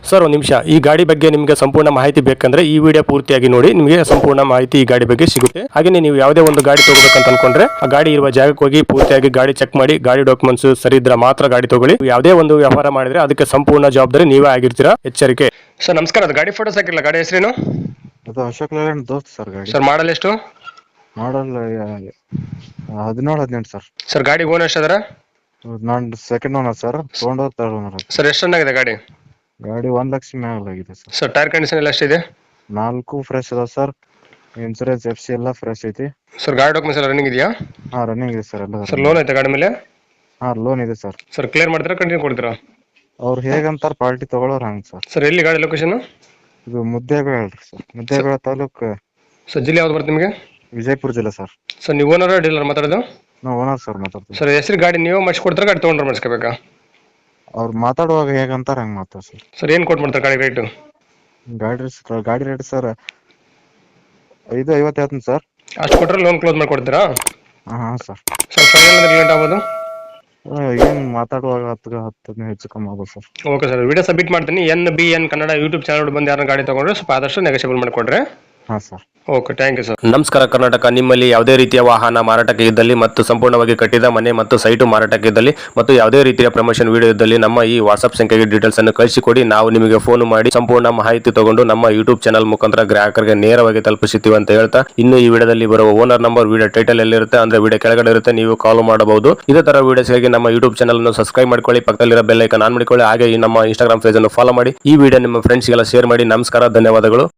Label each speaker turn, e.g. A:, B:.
A: Sir ಒಂದು ನಿಮಿಷ, ಈ ಗಾಡಿ ಬಗ್ಗೆ ನಿಮಗೆ ಸಂಪೂರ್ಣ ಮಾಹಿತಿ ಬೇಕಂದ್ರೆ ಈ ವಿಡಿಯೋ ಪೂರ್ತಿಯಾಗಿ ನೋಡಿ, ನಿಮಗೆ ಸಂಪೂರ್ಣ ಮಾಹಿತಿ ಈ ಗಾಡಿ ಬಗ್ಗೆ ಸಿಗುತ್ತೆ. ಹಾಗೆ ನೀವು ಯಾವುದೇ ಒಂದು ಗಾಡಿ ತಗೋಬೇಕಂತ ಅನ್ಕೊಂಡ್ರೆ ಆ ಗಾಡಿ ಇರುವ ಜಾಗಕ್ಕೆ ಹೋಗಿ ಪೂರ್ತಿಯಾಗಿ ಗಾಡಿ ಚೆಕ್ ಮಾಡಿ, ಗಾಡಿ ಡಾಕ್ಯುಮೆಂಟ್ಸ್ ಸರಿ ಇದ್ರೆ ಮಾತ್ರ ಗಾಡಿ ತಗೊಳ್ಳಿ. ಯಾವುದೇ ಒಂದು ವ್ಯವಹಾರ ಮಾಡಿದ್ರೆ ಅದಕ್ಕೆ ಸಂಪೂರ್ಣ ಜವಾಬ್ದಾರಿ ನೀವೇ ಆಗಿರ್ತೀರಾ, ಎಚ್ಚರಿಕೆ. ಸರ್ ನಮಸ್ಕಾರ, ಅದು ಗಾಡಿ ಫೋಟೋಸ್ ಹಾಕಿಲ್ಲ, ಗಾಡಿ ಹೆಸರೇನು?
B: ಅದು ಅಶೋಕ್ ಲೇಲ್ಯಾಂಡ್ ದೋಸ್ತ್ ಸರ್ ಗಾಡಿ.
A: ಸರ್ ಮಾಡಲ್ ಎಷ್ಟು?
B: Model 17-18 sir.
A: ಸರ್ ಗಾಡಿ ಓನರ್ ಎಷ್ಟಿದಾರ?
B: ನಾನು ಸೆಕೆಂಡ್ ಓನರ್ ಸರ್, ತೊಗೊಂಡೋದ್ ಥರ್ಡ್ ಓನರ್.
A: ಸರ್ ಎಷ್ಟು ರನ್ ಆಗಿದೆ ಗಾಡಿ?
B: ಗಾಡಿ 1 ಲಕ್ಷ ಮ್ಯಾಲಾಗಿದೆ ಸರ್.
A: ಸರ್ ಟೈರ್ ಕಂಡೀಷನ್ ಎಲ್ಲ ಎಷ್ಟಿದೆ?
B: 4 ಫ್ರೆಶ್ ಅದಾವ ಸರ್. ಇನ್ಸೂರೆನ್ಸ್ FC ಎಲ್ಲ ಫ್ರೆಶ್ ಐತಿ.
A: ಸರ್ ಗಾಡಿ ಡಾಕ್ಯುಮೆಂಟ್ಸ್ ಎಲ್ಲ ರನ್ನಿಂಗ್ ಇದೆಯಾ?
B: ಹಾ, ರನ್ನಿಂಗ್ ಇದೆ ಸರ್ ಎಲ್ಲ.
A: ಸರ್ ಲೋನ್ ಐತೆ ಗಾಡಿ ಮೇಲೆ?
B: ಹಾ, ಲೋನ್ ಇದೆ ಸರ್.
A: ಸರ್ ಕ್ಲಿಯರ್ ಮಾಡ್ತೀರಾ, ಕಂಟಿನ್ಯೂ ಕೊಡ್ತೀರಾ?
B: ಅವ್ರು ಹೇಗಂತಾರ ಪಾರ್ಟಿ ತಗೊಳ್ಳೋರು ಹಂಗೆ ಸರ್.
A: ಸರ್ ಎಲ್ಲಿ ಗಾಡಿ ಲೊಕೇಶನ್?
B: ಇದು ಮುದ್ದೇಬೇಳ ಹೇಳ್ರಿ ಸರ್, ಮುದ್ದೇಬೇಳ ತಾಲೂಕು.
A: ಸರ್ ಜಿಲ್ಲೆ ಯಾವ್ದು ಬರುತ್ತೆ ನಿಮಗೆ?
B: ವಿಜಯಪುರ ಜಿಲ್ಲೆ ಸರ್.
A: ಸರ್ ನೀವು ಓನರ್ ಡೀಲರ್ ಮಾತಾಡೋದು?
B: ನಾವು ಓನರ್ ಸರ್ ಮಾತಾಡ್ತೀವಿ.
A: ಸರ್ ಹೆಸರು ಗಾಡಿ ನೀವು ಮಾಡಿಸ್ಕೊಡ್ತಾರೆ, ಗಾಡಿ ತೊಗೊಂಡ್ರೆ ಮಾಡಿಸ್ಕೋಬೇಕಾ?
B: ಅವ್ರು ಮಾತಾಡುವಾಗ ಹೇಗಂತಾರ ಹಂಗೆ ಮಾತಾಡ ಸರ್.
A: ಸರ್ ಏನು ಕೊಟ್ಟು ಮಾಡ್ತಾರೆ ಗಾಡಿ ರೇಟು?
B: ಗಾಡಿ ರೇಟ್ ಸರ್ 550 ಹೇಳ್ತೀನಿ ಸರ್.
A: ಅಷ್ಟು ಕೊಟ್ಟರೆ ಲೋನ್ ಕ್ಲೋಸ್ ಮಾಡಿಕೊಡ್ತೀರಾ?
B: ಹಾಂ ಸರ್.
A: ಸರ್ ಫೈನಲ್ ಅಂದ್ರೆ ಲೇಟ್ ಆಗ್ಬೋದು?
B: ಏನು ಮಾತಾಡುವಾಗ 10 ಹೆಚ್ಚು ಕಮ್ಮಿ ಆಗ್ಬೋದು sir.
A: Okay sir, video submit ಮಾಡ್ತೀನಿ. NBN ಕನ್ನಡ ಯೂಟ್ಯೂಬ್ ಚಾನಲ್ ಬಂದು ಯಾರನ್ನ ಗಾಡಿ ತೊಗೊಂಡ್ರೆ ಸ್ವಲ್ಪ ಆದಷ್ಟು ನೆಗೋಷಿಯಬಲ್ ಮಾಡಿಕೊಡ್ರೆ.
B: ಹಾಂ sir.
A: Okay, thank you sir. ನಮಸ್ಕಾರ ಕರ್ನಾಟಕ. ನಿಮ್ಮಲ್ಲಿ ಯಾವುದೇ ರೀತಿಯ ವಾಹನ ಮಾರಾಟಕ್ಕೆ ಇದ್ದಲ್ಲಿ ಮತ್ತು ಸಂಪೂರ್ಣವಾಗಿ ಕಟ್ಟಿದ ಮನೆ ಮತ್ತು ಸೈಟು ಮಾರಾಟಕ್ಕೆ ಇದ್ದಲ್ಲಿ ಮತ್ತು ಯಾವುದೇ ರೀತಿಯ ಪ್ರಮೋಷನ್ ವಿಡಿಯೋ ಇದ್ದಲ್ಲಿ ನಮ್ಮ ಈ ವಾಟ್ಸ್ಆಪ್ ಸಂಖ್ಯೆಗೆ ಡೀಟೇಲ್ಸ್ ಅನ್ನು ಕಳಿಸಿಕೊಡಿ. ನಾವು ನಿಮಗೆ ಫೋನ್ ಮಾಡಿ ಸಂಪೂರ್ಣ ಮಾಹಿತಿ ತಗೊಂಡು ನಮ್ಮ ಯೂಟ್ಯೂಬ್ ಚಾನಲ್ ಮುಖಾಂತರ ಗ್ರಾಹಕರಿಗೆ ನೇರವಾಗಿ ತಲುಪಿಸುತ್ತೀವಿ ಅಂತ ಹೇಳ್ತಾ, ಇನ್ನು ಈ ವಿಡಿಯೋದಲ್ಲಿ ಬರುವ ಓನರ್ ನಂಬರ್ ವಿಡಿಯೋ ಟೈಟಲ್ ಎಲ್ಲಿರುತ್ತೆ ಅಂದ್ರೆ ವಿಡಿಯೋ ಕೆಳಗಡೆ ಇರುತ್ತೆ, ನೀವು ಕಾಲ್ ಮಾಡಬಹುದು. ಇದೇ ತರ ವಿಡಿಯೋಸ್ಗಾಗಿ ನಮ್ಮ ಯೂಟ್ಯೂಬ್ ಚಾನಲ್ ಅನ್ನು ಸಬ್ಸ್ಕ್ರೈಬ್ ಮಾಡ್ಕೊಳ್ಳಿ, ಪಕ್ಕದಲ್ಲಿರೋ ಬೆಲ್ ಐಕಾನ್ ಆನ್ ಮಾಡಿಕೊಳ್ಳಿ. ಹಾಗೆ ಈ ನಮ್ಮ ಇನ್ಸ್ಟಾಗ್ರಾಮ್ ಪೇಜ್ ಅನ್ನು ಫಾಲೋ ಮಾಡಿ. ಈ ವಿಡಿಯೋ ನಿಮ್ಮ ಫ್ರೆಂಡ್ಸ್ಗೆಲ್ಲ ಶೇರ್ ಮಾಡಿ. ನಮಸ್ಕಾರ, ಧನ್ಯವಾದಗಳು.